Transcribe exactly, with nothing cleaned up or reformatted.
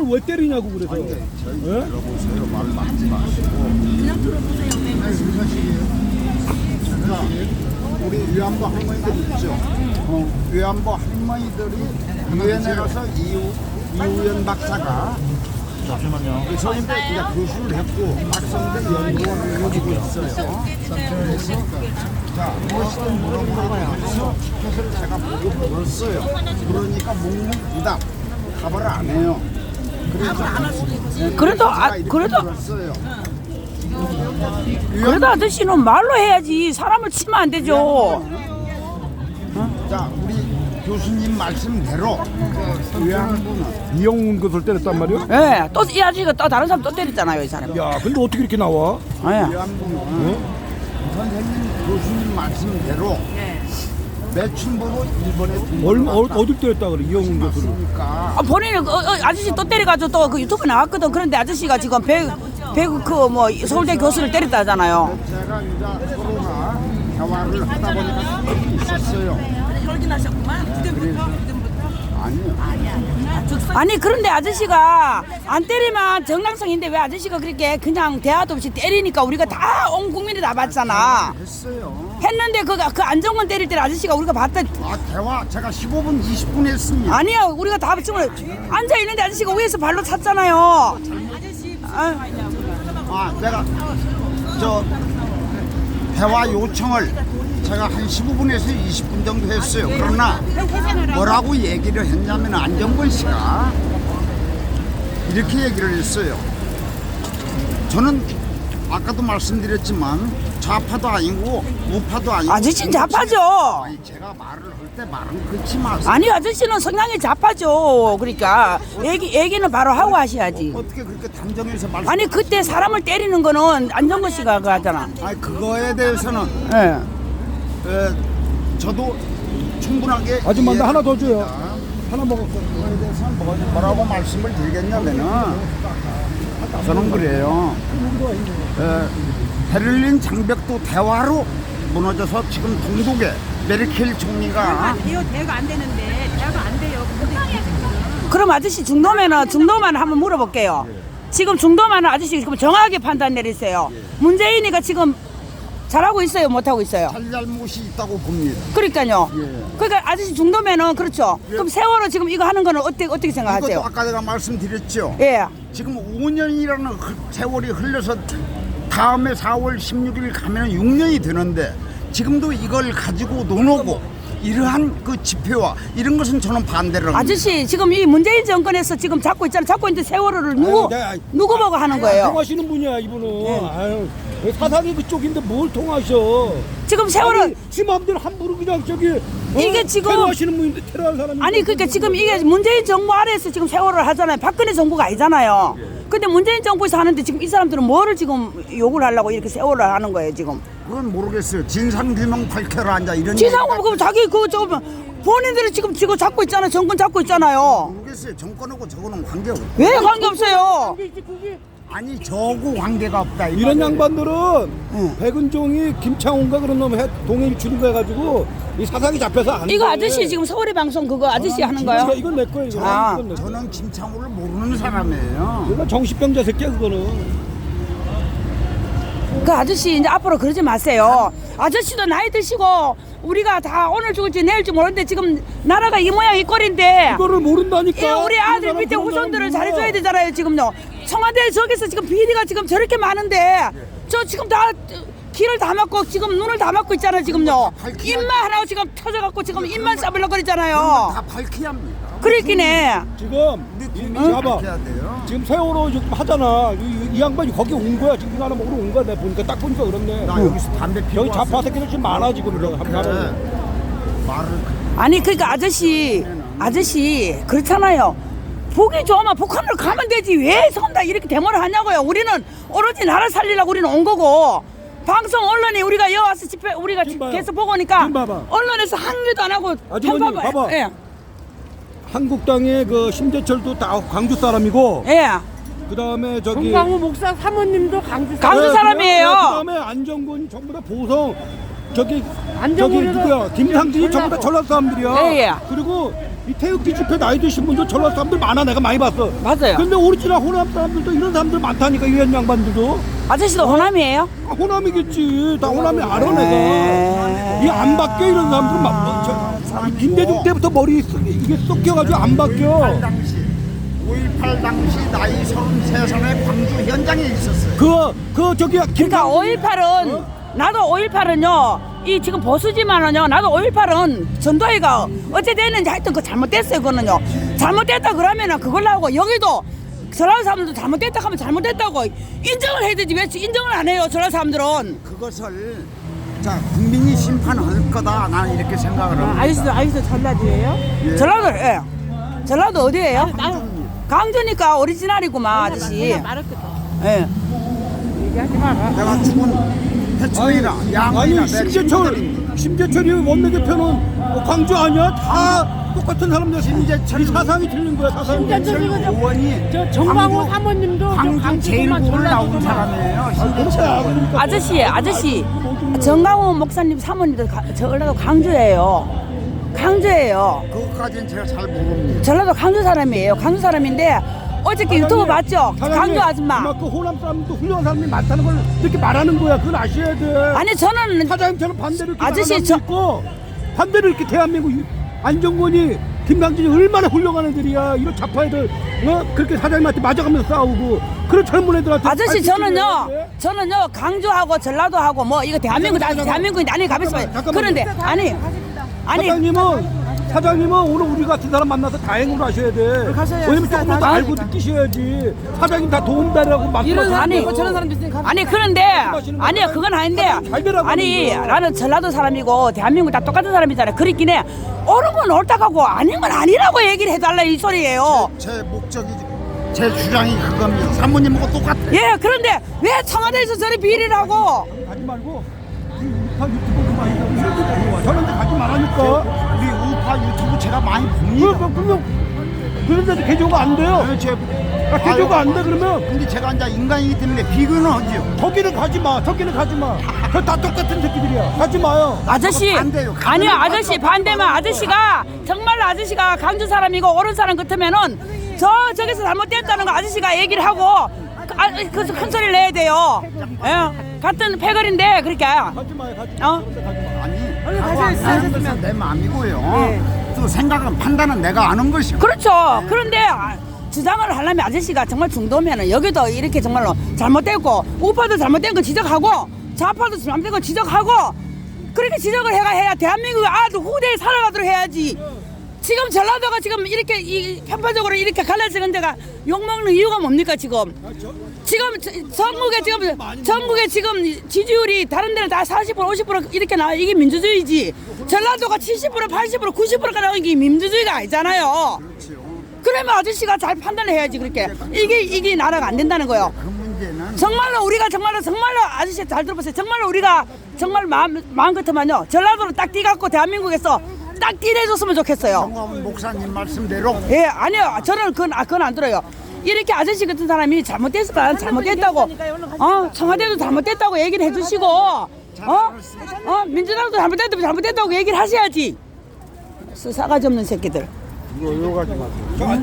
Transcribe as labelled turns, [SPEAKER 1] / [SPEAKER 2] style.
[SPEAKER 1] 사람을 왜 때리냐고 그래서.
[SPEAKER 2] 아니, 저희
[SPEAKER 1] 예?
[SPEAKER 2] 들어보세요. 말 맞지 마시고.
[SPEAKER 3] 그냥 들어보세요.
[SPEAKER 2] 자, 우리 위안부 할머니들 있죠. 어, 위안부 할머니들이 유엔에 가서 이우 이우연 박사가
[SPEAKER 4] 잠시만요.
[SPEAKER 2] 서울대 이제 교수를 했고 박성대 연구원을 가지고 있어요. 그래서 자 무엇이든 물어보라고 해서 티켓을 제가 보고 물었어요. 그러니까 묵묵부답 답을 안 해요. 그래서
[SPEAKER 5] 그래도 아,
[SPEAKER 2] 제가 이렇게
[SPEAKER 5] 그래도
[SPEAKER 2] 물었어요.
[SPEAKER 5] 그래도 아저씨는 말로 해야지. 사람을 치면 안 되죠.
[SPEAKER 2] 자 우리 교수님 말씀대로 위안부는
[SPEAKER 1] 이영훈 교수를 때렸단 말이야?
[SPEAKER 5] 예, 또 이 아저씨가 또 다른 사람 또 때렸잖아요, 이 사람.
[SPEAKER 1] 야, 근데 어떻게 이렇게 나와?
[SPEAKER 5] 예.
[SPEAKER 2] 위안부는 선생님 교수님 말씀대로 매춘부로 일본에
[SPEAKER 1] 얼마 어, 어딜 때렸다 그래 이영훈 교수를?
[SPEAKER 2] 들어갔으니까
[SPEAKER 5] 아, 본인은 어, 어, 아저씨 또 때려가지고 또 그 유튜브 나왔거든. 그런데 아저씨가 지금 배, 배구 그뭐 서울대 교수를 때렸다 하잖아요.
[SPEAKER 2] 제가 이제 서로가 대화를 하다 보니까 있었어요.
[SPEAKER 3] 혈기나셨구만. 그때부터 그때부터.
[SPEAKER 2] 아니요.
[SPEAKER 5] 아니 그런데 아저씨가 안 때리면 정당성인데 왜 아저씨가 그렇게 그냥 대화도 없이 때리니까 우리가 다 온 국민이 다 봤잖아.
[SPEAKER 2] 했어요.
[SPEAKER 5] 했는데 그, 그 안정권 때릴 때 아저씨가 우리가 봤다.
[SPEAKER 2] 아 대화 제가 십오 분 이십 분 했습니다.
[SPEAKER 5] 아니야 우리가 다 지금 앉아 있는데 아저씨가 위에서 발로 찼잖아요. 아,
[SPEAKER 2] 아 제가 저 대화 요청을 제가 한 십오 분에서 이십 분 정도 했어요. 그러나 뭐라고 얘기를 했냐면 안정권 씨가 이렇게 얘기를 했어요. 저는 아까도 말씀드렸지만 좌파도 아니고 우파도 아니고
[SPEAKER 5] 아저씨는 좌파죠.
[SPEAKER 2] 아니, 제가 말을 할 때 말은 그렇지 마세요.
[SPEAKER 5] 아니 아저씨는 성향이 좌파죠. 그러니까 얘기 얘기는 바로 하고 하셔야지.
[SPEAKER 2] 어떻게 그렇게 단정해서 말씀?
[SPEAKER 5] 아니 그때 사람을 때리는 거는 안정권 씨가 그 하잖아.
[SPEAKER 2] 아니 그거에 대해서는
[SPEAKER 5] 예.
[SPEAKER 2] 에, 저도 충분하게
[SPEAKER 1] 아줌마 나
[SPEAKER 2] 이해를
[SPEAKER 1] 하나 더 줘요.
[SPEAKER 2] 합니다.
[SPEAKER 1] 하나 먹었어.
[SPEAKER 2] 그거에 대해서는 뭐- 뭐라고 말씀을 드리겠냐면은 저는 그래요. 에, 베를린 장벽도 대화로 무너져서 지금 동독에 메르켈 총리가
[SPEAKER 3] 이거 대화가 안 되는데 대화가 안 돼요. 근데
[SPEAKER 5] 그럼 아저씨 중도면은 중도만 한번 물어볼게요. 지금 중도만은 아저씨 지금 정확하게 판단 내리세요. 문재인이가 지금 잘하고 있어요, 못하고 있어요.
[SPEAKER 2] 잘잘못이 있다고 봅니다.
[SPEAKER 5] 그러니까요.
[SPEAKER 2] 예.
[SPEAKER 5] 그러니까 아저씨 중도면은 그렇죠. 그럼 세월호 지금 이거 하는 거는 어떻게 어떻게
[SPEAKER 2] 이것도
[SPEAKER 5] 생각하세요?
[SPEAKER 2] 아까 내가 말씀드렸죠.
[SPEAKER 5] 예.
[SPEAKER 2] 지금 오 년이라는 세월이 흘러서 다음에 사월 십육일 가면 육 년이 되는데 지금도 이걸 가지고 논하고 이러한 그 집회와 이런 것은 저는 반대를 합니다.
[SPEAKER 5] 아저씨 지금 이 문재인 정권에서 지금 잡고 있잖아요. 잡고 있는데 세월호를 누구
[SPEAKER 1] 아유, 내가-
[SPEAKER 5] 누구 보고 하는 거예요?
[SPEAKER 1] 통하시는 분이야 이분은. 아유, 사상이 그쪽인데 뭘 통하셔?
[SPEAKER 5] 지금 세월호
[SPEAKER 1] 아니, 지 마음대로 함부로 그냥 저기 어?
[SPEAKER 5] 이게 지금-
[SPEAKER 1] 테러하시는 분인데 테러할 사람이
[SPEAKER 5] 아니 그러니까 지금 이게 문재인 정부 아래에서 지금 세월호를 하잖아요. 박근혜 정부가 아니잖아요. 근데 문재인 정부에서 하는데 지금 이 사람들은 뭐를 지금 욕을 하려고 이렇게 세월호를 하는 거예요 지금?
[SPEAKER 2] 그건 모르겠어요. 진상규명 밝혀라 앉아 이런
[SPEAKER 5] 지상공
[SPEAKER 2] 얘기가
[SPEAKER 5] 그 자기 그저 본인들이 지금 지금 잡고 있잖아요. 정권 잡고 있잖아요.
[SPEAKER 2] 모르겠어요. 정권하고 저거는 관계 없고
[SPEAKER 5] 왜 관계 없어요?
[SPEAKER 2] 아니 저하고 관계가 없다 이
[SPEAKER 1] 이런
[SPEAKER 2] 말이에요.
[SPEAKER 1] 양반들은 백은종이 김창훈가 그런 놈 해- 동행 출입해 가지고 이 사상이 잡혀서 안
[SPEAKER 5] 이거
[SPEAKER 1] 돼.
[SPEAKER 5] 아저씨 지금 서울의 방송 그거 아저씨 하는
[SPEAKER 1] 진짜
[SPEAKER 5] 거요?
[SPEAKER 1] 이건 내 거예요. 이거.
[SPEAKER 5] 아.
[SPEAKER 1] 이건 내 거야.
[SPEAKER 2] 저는 김창호를 모르는 사람이에요.
[SPEAKER 1] 이건 정신병자 새끼야 그거는.
[SPEAKER 5] 그 아저씨 이제 앞으로 그러지 마세요. 아저씨도 나이 드시고 우리가 다 오늘 죽을지 내일지 모르는데 지금 나라가 이 모양 이 꼴인데
[SPEAKER 1] 이거를 모른다니까.
[SPEAKER 5] 예, 우리 아들
[SPEAKER 1] 사람
[SPEAKER 5] 밑에
[SPEAKER 1] 그런
[SPEAKER 5] 후손들을
[SPEAKER 1] 사람
[SPEAKER 5] 잘해줘야
[SPEAKER 1] 몰라.
[SPEAKER 5] 되잖아요 지금요. 청와대 저기서 지금 비리가 지금 저렇게 많은데 저 지금 다 귀를 다 막고 지금 눈을 다 막고 있잖아요 지금요.
[SPEAKER 2] 밝히야
[SPEAKER 5] 입만 하나 지금 터져갖고 지금 입만
[SPEAKER 2] 다
[SPEAKER 5] 싸불럭거리잖아요.
[SPEAKER 2] 밝혀야 합니다.
[SPEAKER 5] 그렇긴 해.
[SPEAKER 1] 지금
[SPEAKER 2] 근데
[SPEAKER 1] 이,
[SPEAKER 2] 국민이
[SPEAKER 1] 봐봐.
[SPEAKER 2] 밝혀야 돼요.
[SPEAKER 1] 지금 세월호 지금 하잖아. 이, 이 양반이 거기 온 거야. 지금 이거 하나 먹으러 온 거야. 내가 보니까 딱 보니까 그렇네.
[SPEAKER 2] 나 여기서 담배 피고
[SPEAKER 1] 여기 좌파
[SPEAKER 2] 왔어요.
[SPEAKER 1] 새끼들 지금 많아 지금 이거
[SPEAKER 2] 그래.
[SPEAKER 1] 한번
[SPEAKER 2] 말을
[SPEAKER 5] 아니 그러니까 아저씨 아저씨 그렇잖아요. 보기 좋으면 북한으로 가면 되지 왜 선다 이렇게 데모를 하냐고요. 우리는 오로지 나라 살리려고 우리는 온 거고 방송 언론에 우리가 여기 와서 집회 우리가
[SPEAKER 1] 지금 봐요.
[SPEAKER 5] 계속 보고 오니까
[SPEAKER 1] 지금 봐봐.
[SPEAKER 5] 언론에서 항의도 안 하고
[SPEAKER 1] 아주머니,
[SPEAKER 5] 편파-
[SPEAKER 1] 봐봐.
[SPEAKER 5] 예.
[SPEAKER 1] 한국당의 그 심재철도 다 광주 사람이고
[SPEAKER 5] 예.
[SPEAKER 1] 그다음에 저기
[SPEAKER 6] 정강호 목사 사모님도 강주
[SPEAKER 5] 강주
[SPEAKER 1] 네,
[SPEAKER 5] 사람이에요.
[SPEAKER 1] 그다음에 안정근 전부 다 보성 저기 저기
[SPEAKER 6] 안정근이도
[SPEAKER 1] 누구야 김상진이 전부 다 전라도 사람들이야.
[SPEAKER 5] 예, 예.
[SPEAKER 1] 그리고 이 태극기 집회 나이 드신 분들 전라 사람들 많아. 내가 많이 봤어.
[SPEAKER 5] 맞아요.
[SPEAKER 1] 근데 오리지널 호남 사람들도 이런 사람들 많다니까. 이런 양반들도.
[SPEAKER 5] 아저씨도 호남이에요?
[SPEAKER 1] 아, 호남이겠지. 다 호남이 알아 내가.
[SPEAKER 5] 네.
[SPEAKER 1] 이 안 바뀌어 이런 사람들은 막 저, 저, 김대중 때부터 머리 썩- 이게 썩혀가지고 안 바뀌어.
[SPEAKER 2] 당시 오일팔 당시 나이 서른세 살에 광주 현장에 있었어요.
[SPEAKER 1] 그, 그 저기
[SPEAKER 5] 그러니까 오일팔은 나도 오일팔은요 이 지금 보수지만은요 나도 오일팔은 전도회가 어째 됐는지 하여튼 그 잘못됐어요. 그거는요 잘못됐다 그러면은 그걸 나오고 여기도 전라 사람들도 잘못됐다 하면 잘못됐다고 인정을 해야 되지 왜 인정을 안 해요 전라 사람들은.
[SPEAKER 2] 그것을 자 국민이 심판할 거다 나는 이렇게 생각을 합니다.
[SPEAKER 6] 아저씨도 아저씨도 전라도예요?
[SPEAKER 2] 예.
[SPEAKER 5] 전라도 예 전라도 어디예요? 강주니까 오리지널이구만 아저씨.
[SPEAKER 6] 말했거든.
[SPEAKER 5] 예.
[SPEAKER 6] 얘기하지 마라.
[SPEAKER 2] 내가 죽은 해충이나 양이나
[SPEAKER 1] 아니
[SPEAKER 2] 내
[SPEAKER 1] 심재철
[SPEAKER 2] 친구들입니다.
[SPEAKER 1] 심재철이 원내 대표는 뭐 광주 아니야? 다 똑같은 사람들. 심재철이 사상이 틀린 거야. 사상이.
[SPEAKER 6] 심재철
[SPEAKER 2] 의원이
[SPEAKER 6] 저 정광호
[SPEAKER 2] 광주-
[SPEAKER 6] 사모님도 저
[SPEAKER 2] 광주
[SPEAKER 6] 강주구만
[SPEAKER 2] 제일고를 나온
[SPEAKER 6] 전라도구만.
[SPEAKER 2] 사람이에요.
[SPEAKER 1] 그렇다. 그러니까
[SPEAKER 5] 아저씨 아저씨 정강호 목사님 사모님도 가- 저 전라도 강주예요. 강주예요.
[SPEAKER 2] 그것까지는 제가 잘 모릅니다.
[SPEAKER 5] 전라도 강주 사람이에요. 강주 사람인데 어저께 유튜브 봤죠?
[SPEAKER 1] 사장님,
[SPEAKER 5] 강주 아줌마.
[SPEAKER 1] 그만큼 호남 사람도 훌륭한 사람이 많다는 걸 이렇게 말하는 거야. 그건 아셔야 돼.
[SPEAKER 5] 아니 저는
[SPEAKER 1] 사장님처럼 반대로 이렇게
[SPEAKER 5] 아저씨,
[SPEAKER 1] 말하는
[SPEAKER 5] 저-
[SPEAKER 1] 사람도 있고 반대로 이렇게 대한민국 유- 안정권이 김강진이 얼마나 훌륭한 애들이야. 이런 좌파 애들 어? 그렇게 사장님한테 맞아가면서 싸우고 그런 젊은 애들한테
[SPEAKER 5] 아저씨
[SPEAKER 1] 가르치지
[SPEAKER 5] 저는요
[SPEAKER 1] 왜?
[SPEAKER 5] 저는요 강주하고 전라도하고 뭐 이거 대한민국 다
[SPEAKER 1] 잠깐만,
[SPEAKER 5] 대한민국인데 아니 가만있어 봐요.
[SPEAKER 1] 잠깐만요.
[SPEAKER 5] 그런데 아니 아니
[SPEAKER 1] 사장님은 사장님은 오늘 우리 같은 사람 만나서 다행으로 하셔야 돼.
[SPEAKER 6] 가셔야
[SPEAKER 1] 왜냐면
[SPEAKER 6] 진짜
[SPEAKER 1] 조금 더
[SPEAKER 6] 다
[SPEAKER 1] 알고 느끼셔야지. 사장님 다 도움달라고 막
[SPEAKER 6] 이런
[SPEAKER 1] 들어서
[SPEAKER 6] 사람도
[SPEAKER 5] 아니,
[SPEAKER 6] 있고 저런 사람도 있으니까.
[SPEAKER 5] 아니 그런데 아니요 그건 아닌데
[SPEAKER 1] 잘 되라고
[SPEAKER 5] 아니
[SPEAKER 1] 하는 거예요.
[SPEAKER 5] 나는 전라도 사람이고 대한민국 다 똑같은 사람이잖아요. 그렇긴 해. 옳은 건 옳다고 아닌 건 아니라고 얘기를 해달라 이 소리예요.
[SPEAKER 2] 제 목적이 제 주장이 그겁니다. 사모님하고 똑같아요.
[SPEAKER 5] 예 그런데 왜 청와대에서 저리 비리를 하고
[SPEAKER 1] 가지 말고 이 우파 유튜브 그만 저런데 가지 말라니까.
[SPEAKER 2] 우리 우파 유튜브 제가 많이
[SPEAKER 1] 그,
[SPEAKER 2] 봅니다.
[SPEAKER 1] 그, 그러면 그런데도 개조가 안 돼요.
[SPEAKER 2] 네, 제,
[SPEAKER 1] 아, 개조가 안 돼 그러면
[SPEAKER 2] 근데 제가 이제 인간이기 때문에 비교는 하죠.
[SPEAKER 1] 저기는 가지 마. 저기는 가지 마. 저 다 똑같은 새끼들이야. 가지 마요.
[SPEAKER 5] 아저씨
[SPEAKER 2] 반대요.
[SPEAKER 5] 아니요 아저씨 반대면 아저씨가 정말로 아저씨가 강주 사람이고 옳은 사람 같으면은 저 저기서 잘못됐다는 거 아저씨가 얘기를 하고 아, 그 큰 소리를 내야 돼요. 예 같은 패거리인데 그렇게
[SPEAKER 1] 가지 마요. 가지 마.
[SPEAKER 5] 어
[SPEAKER 2] 아니,
[SPEAKER 6] 얼른
[SPEAKER 2] 하고
[SPEAKER 6] 가셔야
[SPEAKER 2] 안 하는 것은 내 마음이고요. 또 생각은 판단은 내가 아는 것이고.
[SPEAKER 5] 그렇죠. 그런데 아, 주장을 하려면 아저씨가 정말 중도면은 여기도 이렇게 정말로 잘못됐고 우파도 잘못된 거 지적하고 좌파도 잘못된 거 지적하고 그렇게 지적을 해가 해야 대한민국이 아주 후대에 살아가도록 해야지. 지금 전라도가 지금 이렇게 이 편파적으로 이렇게 갈라지는 데가 욕먹는 이유가 뭡니까 지금? 지금 저- 전국에 지금 전국에 지금 지지율이 다른 데는 다 사십 퍼센트 오십 퍼센트 이렇게 나와 이게 민주주의지. 전라도가 칠십 퍼센트 팔십 퍼센트 구십 퍼센트가 나오는 게 민주주의가 아니잖아요. 그러면 아저씨가 잘 판단을 해야지 그렇게 이게 이게 나라가 안 된다는 거예요.
[SPEAKER 2] 그 문제는
[SPEAKER 5] 정말로 우리가 정말로 정말로 아저씨 잘 들어보세요. 정말로 우리가 정말 마음 마음 같으면요 전라도로 딱 뛰갖고 대한민국에서 딱 뛰내줬으면 좋겠어요.
[SPEAKER 2] 정광훈 목사님 말씀대로
[SPEAKER 5] 예 아니요 저는 그건 아, 그건 안 들어요. 이렇게 아저씨 같은 사람이 잘못됐을까 잘못됐다고 어 청와대도 잘못됐다고 얘기를 해주시고 어? 어 민주당도 잘못됐다고 잘못됐다고 얘기를 하셔야지. 싸가지 없는 새끼들.
[SPEAKER 1] 이거 가지 마세요.